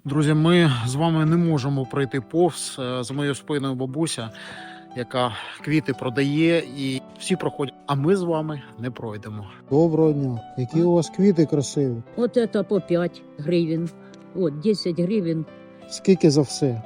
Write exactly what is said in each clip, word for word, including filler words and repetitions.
Друзі, ми з вами не можемо пройти повз. За моєю спиною бабуся, яка квіти продає, і всі проходять, а ми з вами не пройдемо. Доброго дня. Які у вас квіти красиві. Вот это по пять гривен, вот десять гривен. Скільки за все?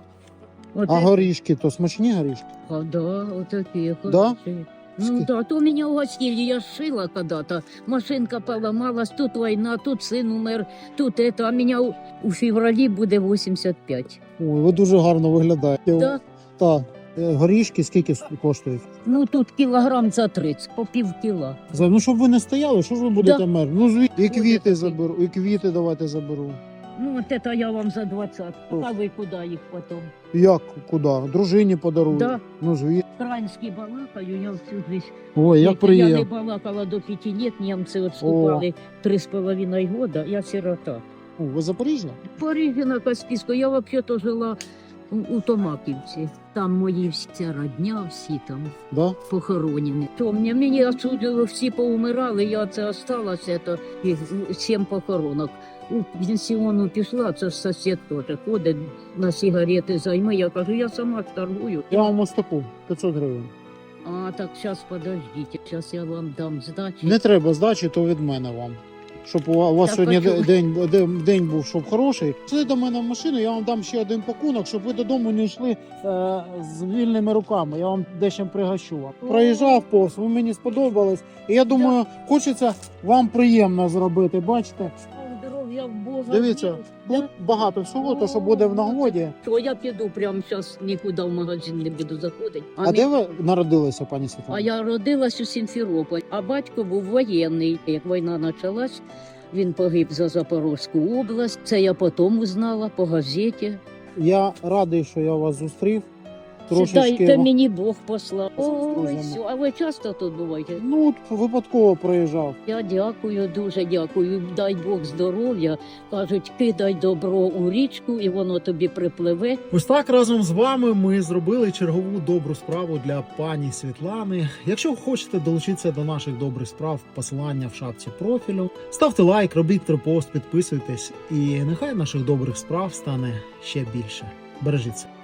Вот А это- горішки, то смачні горішки? А, да, вот такие Да? хорошие. Ну Ски- да, то меня угостили, я шила когда-то, машинка поломалась, тут война, тут сын умер, тут это, а меня у, у феврале будет восемьдесят пять. Ой, ви дуже гарно виглядаєте. Да? Так. Е, Горішки скільки с- коштують? Ну тут килограмм за тридцать, по пів кіла. За- Ну, щоб ви не стояли, що ж ви будете Да. мерзнути? Ну, звідти. І Буде квіти таки. заберу, і квіти давайте заберу. Ну вот это я вам за двадцать, Ох. а вы куда их потом? Як, куди? Дружині подарую. Да. Ну, звідти. Українські балакаю, я всю жизнь. Ой, як Я не приємно. балакала до пяти лет, немцы отступали три с половиной года, я сирота. О, ви Запоріжжя? В Парижі на Каспійську, я взагалі-то жила у, у Томаківці. Там мої вся родня, всі там Да? похоронені. То мені, мені отсюди всі поумирали, я це осталася, то і сім похоронок. У пенсіону пішла, це ж сусід теж ходить на сигарети займи. Я кажу, я сама торгую. Я вам ось таку, п'ятсот гривень. А так зараз подождіть, зараз я вам дам здачі. Не треба здачі, то від мене вам. Щоб у вас у вас Так, сьогодні почув. день, день, день був, щоб хороший. Сиди до мене в машину, я вам дам ще один пакунок, щоб ви додому не йшли е, з вільними руками. Я вам дещо пригощу вам. Проїжджав повз, ви мені сподобались. І я думаю, хочеться вам приємно зробити. Бачите, Здоров'я в Бога. дивіться, віру. тут багато всього, то що буде в нагоді. То я піду прямо зараз, нікуди в магазин не буду заходити. А, мі- де ви народилися, пані Світлана? а я родилась у Сімферополі, а батько був воєнний. Як війна почалась, він погиб за Запорізьку область. Це я потім узнала по газеті. Я радий, що я вас зустрів. Трошечки... Трошечки. Та мені Бог послав. З Ой, друзями. все. А ви часто тут буваєте? Ну, от випадково проїжджав. Я дякую, дуже дякую. Дай Бог здоров'я. Кажуть, кидай добро у річку, і воно тобі припливе. Ось так разом з вами ми зробили чергову добру справу для пані Світлани. Якщо хочете долучитися до наших добрих справ, посилання в шапці профілю. Ставте лайк, робіть репост, підписуйтесь, і нехай наших добрих справ стане ще більше. Бережіться.